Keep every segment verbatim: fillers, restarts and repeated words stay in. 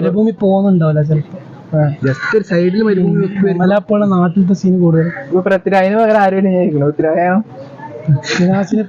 മരുഭൂമി പോകുന്നുണ്ടാവില്ല ചിലപ്പോ, ജസ്റ്റ് ഒരു സൈഡിൽ മരുഭൂമി മലയാള നാട്ടിലത്തെ സീൻ കൂടുതൽ. പൃഥ്വിരാജിന് പകരം ആരും വിചാരിക്കണം. പൃഥ്വിരാജാണോ പൃഥ്വിരാജിന്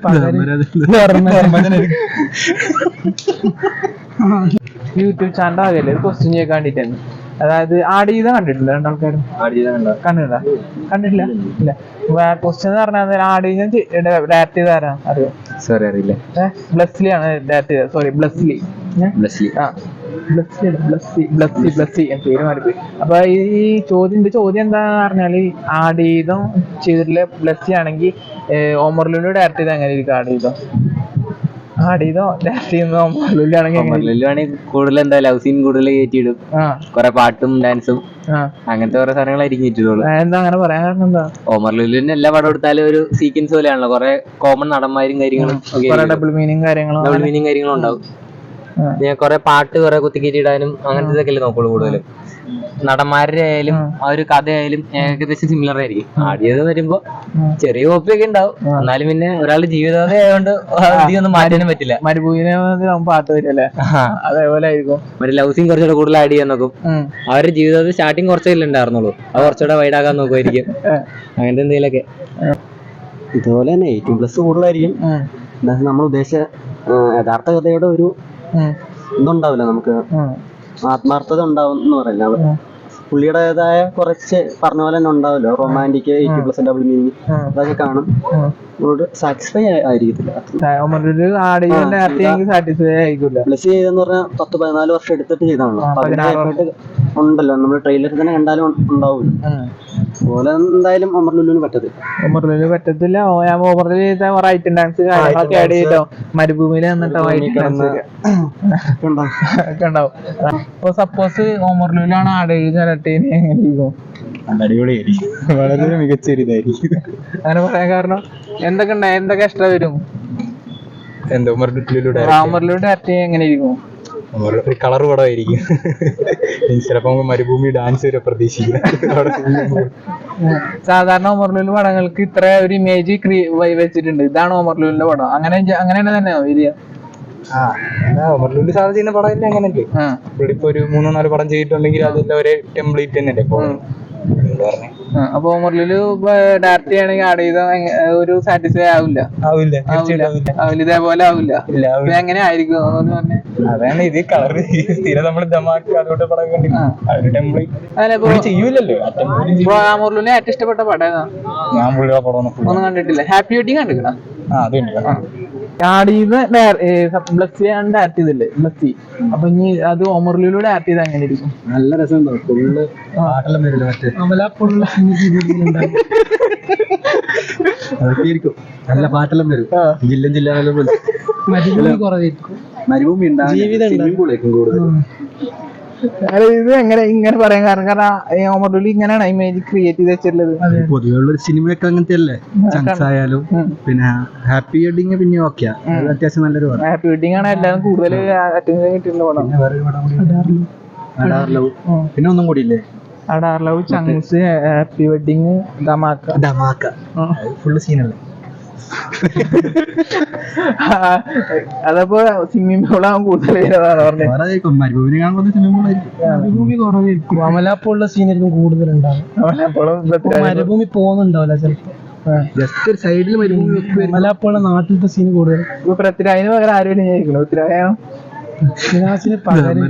യൂട്യൂബ് ചാനൽ ആകല്ലേ ക്വസ്റ്റ്യൻ ചെയ്യാൻ വേണ്ടിട്ടാണ്. അതായത് ആടുജീവിത കണ്ടിട്ടില്ല രണ്ടാൾക്കാരും? കണ്ടിട്ടില്ല കണ്ടിട്ടില്ല ഇല്ല. ക്വസ്റ്റ്യൻ എന്ന് പറഞ്ഞാൽ ആടുജീവിതം ഡയറക്ട് ചെയ്താരാ അറിയോ? സോറി അറിയില്ല. ബ്ലസ്ലി ആണ് ഡയറക്ട് ചെയ്തത്. സോറി ബ്ലസ്ലി ബ്ലസ്ലി ആ ബ്ലസ്സി ബ്ലസ്സി ബ്ലസ്സി ബ്ലസ്സി പേര് മാറിപ്പോയി. അപ്പൊ ഈ ചോദ്യം ചോദ്യം എന്താന്ന് പറഞ്ഞാല് ആടുജീവിതം ചെയ്തിട്ടുള്ള ബ്ലസ്സി ആണെങ്കിൽ ഓമർലുലു ഡയറക്ട് ചെയ്ത് എങ്ങനെ ഇരിക്കും? ആടുജീവിതം ആടുജീവിതം ഡയറക്ട് ചെയ്യുന്ന ഓമർലുലു ആണെങ്കിൽ കൂടുതൽ എന്താ ലവ് സീൻ കൂടുതൽ കയറ്റിയിടും, കൊറേ പാട്ടും ഡാൻസും അങ്ങനത്തെ ഓരോ സാധനങ്ങളായിരിക്കും കയറ്റിയിട്ടുള്ളൂ. എന്താ അങ്ങനെ പറയാൻ കാരണം എന്താ? ഓമർലുലുവിന് എല്ലാ പടം എടുത്താലും ഒരു സീക്വൻസ് പോലെയാണല്ലോ, കൊറേ കോമൺ നടന്മാരും കാര്യങ്ങളും ഡബിൾ മീനിങ് കാര്യങ്ങളും ഡബിൾ മീനിങ് കാര്യങ്ങളും ഉണ്ടാവും. ഞാൻ കൊറേ പാട്ട് കൊറേ കുത്തിക്കേറ്റിടാനും അങ്ങനത്തെ ഇതൊക്കെ നോക്കുള്ളൂ കൂടുതലും. നടന്മാരുടെ ആയാലും ആ ഒരു കഥയായാലും ഏകദേശം സിമിലർ ആയിരിക്കും. ആദ്യം വരുമ്പോ ചെറിയ കോപ്പിയൊക്കെ ഉണ്ടാവും, എന്നാലും പിന്നെ ഒരാളുടെ ജീവിതകഥ ആയതുകൊണ്ട് അധികം മാറ്റാനും പറ്റില്ല. മരുഭൂമിനെ പാട്ട് വരുമല്ലേ, അതേപോലെ ആയിരിക്കും. മറ്റേ ലവ് സീൻ കുറച്ചുകൂടെ കൂടുതൽ ആഡ് ചെയ്യാൻ നോക്കും. അവരുടെ ജീവിതത്തിൽ സ്റ്റാർട്ടിങ് കുറച്ചല്ലേ ഉണ്ടായിരുന്നുള്ളൂ, അത് കുറച്ചുകൂടെ വൈഡാക്കാൻ നോക്കുമായിരിക്കും. അങ്ങനത്തെ എന്തെങ്കിലുമൊക്കെ. ഇതുപോലെ തന്നെ എയ്റ്റീൻ പ്ലസ് കൂടുതലായിരിക്കും. നമ്മൾ ഉദ്ദേശിച്ച യഥാർത്ഥ കഥയുടെ ഒരു ഇതുണ്ടാവില്ല, നമുക്ക് ആത്മാർത്ഥത ഉണ്ടാവും എന്ന് പറയുന്നത്. പുള്ളിയുടേതായ കുറച്ച് പറഞ്ഞ പോലെ തന്നെ ഉണ്ടാവില്ല, romantic eighty plus double meaning അതൊക്കെ കാണും. സാറ്റിസ്ഫൈ ആയിരിക്കത്തില്ല. പ്ലസ് ചെയ്തെന്ന് പറഞ്ഞാൽ പത്ത് പതിനാല് വർഷം എടുത്തിട്ട് ചെയ്താണല്ലോ, ഉണ്ടല്ലോ നമ്മൾ ട്രെയിലറിൽ തന്നെ കണ്ടാലും ഉണ്ടാവില്ല. അതുപോലെ എന്തായാലും ഒമർലുലുവിന് പറ്റത്തില്ല. ഒമർലുലു പറ്റത്തില്ല. ഓമർലുലു ചെയ്ത ഐറ്റം ഡാൻസ് കാര്യങ്ങളൊക്കെ ആഡ് ചെയ്തോ മരുഭൂമിയിൽ വന്നിട്ടോ ഐറ്റം ഡാൻസ് ഒക്കെ ഉണ്ടാവും. ഇപ്പൊ സപ്പോസ് ഒമർലുലാണ് ആഡ് ചെയ്ത് എങ്ങനെ ഇരിക്കും? അടിപൊളിയായിരിക്കും, വളരെ മികച്ച ഒരു ഇതായിരിക്കും. അങ്ങനെ പറയാൻ കാരണം എന്തൊക്കെ ഉണ്ടായി, എന്തൊക്കെ എക്സ്ട്രാ വരും? എന്താ ഒമർലുലു ഡയറക്റ്റ് എങ്ങനെ ഇരിക്കും? കളർ പടമായിരിക്കും. ചിലപ്പോ മരുഭൂമി ഡാൻസ് വരെ പ്രതീക്ഷിക്കും. സാധാരണ ഒമർലുലു പടങ്ങൾക്ക് ഇത്ര ഒരു ഇമേജ് വെച്ചിട്ടുണ്ട്, ഇതാണ് ഒമർലുലിന്റെ പടം, അങ്ങനെ അങ്ങനെ തന്നെ വരിക. ഒമർലുലു സാധാരണ ചെയ്യുന്ന പടം അങ്ങനെയല്ലേ. ഇവിടെ ഇപ്പൊ ഒരു മൂന്നോ നാല് പടം ചെയ്തിട്ടുണ്ടെങ്കിൽ അതിന്റെ ഒരേ ടെംപ്ലേറ്റ് തന്നെ. അപ്പൊ ഒമർലുലു ഡയറക്റ്റ് ചെയ്യണമെങ്കിൽ ആഡ് ചെയ്ത ഒരു സാറ്റിസ്ഫൈ ആവില്ല. ആവില്ല ആവില്ല ഇതേപോലെ ആവില്ല. എങ്ങനെ ആയിരിക്കും എന്ന് പറഞ്ഞേ? അതാണ് ഇത് കളർ സ്ഥിരം നമ്മൾ ദമാക്ക് അതുകൊണ്ട് പടം കണ്ടില്ല ചെയ്യൂലല്ലോ. ഒമർലുലിനെ ഏറ്റവും ഇഷ്ടപ്പെട്ട പടം ഏതാ? ഞാൻ പുള്ളിയുടെ പടം ഒന്നും കണ്ടിട്ടില്ല. Happy wedding കണ്ടിരിക്കണം. ബ്ലസ്സി ആണ് ഡയറക്ട് ചെയ്തില്ലേ ബ്ലസ്സി. അപ്പൊ ഇനി അത് ഒമർലുലൂടെ ഡയറക്ട് ചെയ്ത് അങ്ങനെ ഇരിക്കും. നല്ല രസമുണ്ടാവും. ഫുള്ള് പാട്ടെല്ലാം വരില്ല, മറ്റേ അതൊക്കെ ആയിരിക്കും. നല്ല പാട്ടെല്ലാം വരും, ജില്ല ജില്ല മരുഭൂമി കുറവായിരിക്കും. മരുഭൂമി ജീവിതം കൂടുതൽ. ഇത് എങ്ങനെ ഇങ്ങനെ പറയാൻ കാരണം കാരണം ഒമർലുലു ഇങ്ങനെയാണ് ഇമേജ് ക്രിയേറ്റ് ചെയ്ത് വെച്ചിട്ടുള്ളത്. പൊതുവെയുള്ള സിനിമയൊക്കെ അങ്ങനത്തെ അല്ലേ, ചങ്സ് ആയാലും. പിന്നെ ഹാപ്പി വെഡിങ് പിന്നെ ഓക്കെ, അത്യാവശ്യം നല്ലൊരു പടം. ഹാപ്പി വെഡിങ് ആണ് എല്ലാവരും കൂടുതൽ അറ്റൻഷൻ കിട്ടിയിട്ടുള്ള പടം. പിന്നെ ഒന്നും കൂടി ഇല്ലേ, Adaar love, Chunkzz, happy wedding, Dhamaka. Dhamaka full സീനല്ലേ. അതപ്പോ സ്വിമ്മിംഗ് പൂളാവും കൂടുതൽ മരുഭൂമിനെ കാണുമ്പോൾ സ്വിമ്മിംഗ് മരുഭൂമി കുറവായിരിക്കും. അമലാപ്പുള്ള സീനായിരിക്കും കൂടുതലുണ്ടാവും. മരുഭൂമി പോകുന്നുണ്ടാവില്ല ചിലപ്പോ, ജസ്റ്റ് ഒരു സൈഡിൽ മരുഭൂമി. അമലാപ്പുള്ള നാട്ടിലത്തെ സീൻ കൂടുതൽ. പൃഥ്വിരാജിന് പകരം ആരും വിചാരിക്കണം? പൃഥ്വിരാജാണോ? പൃഥ്വിരാജിന് പകരം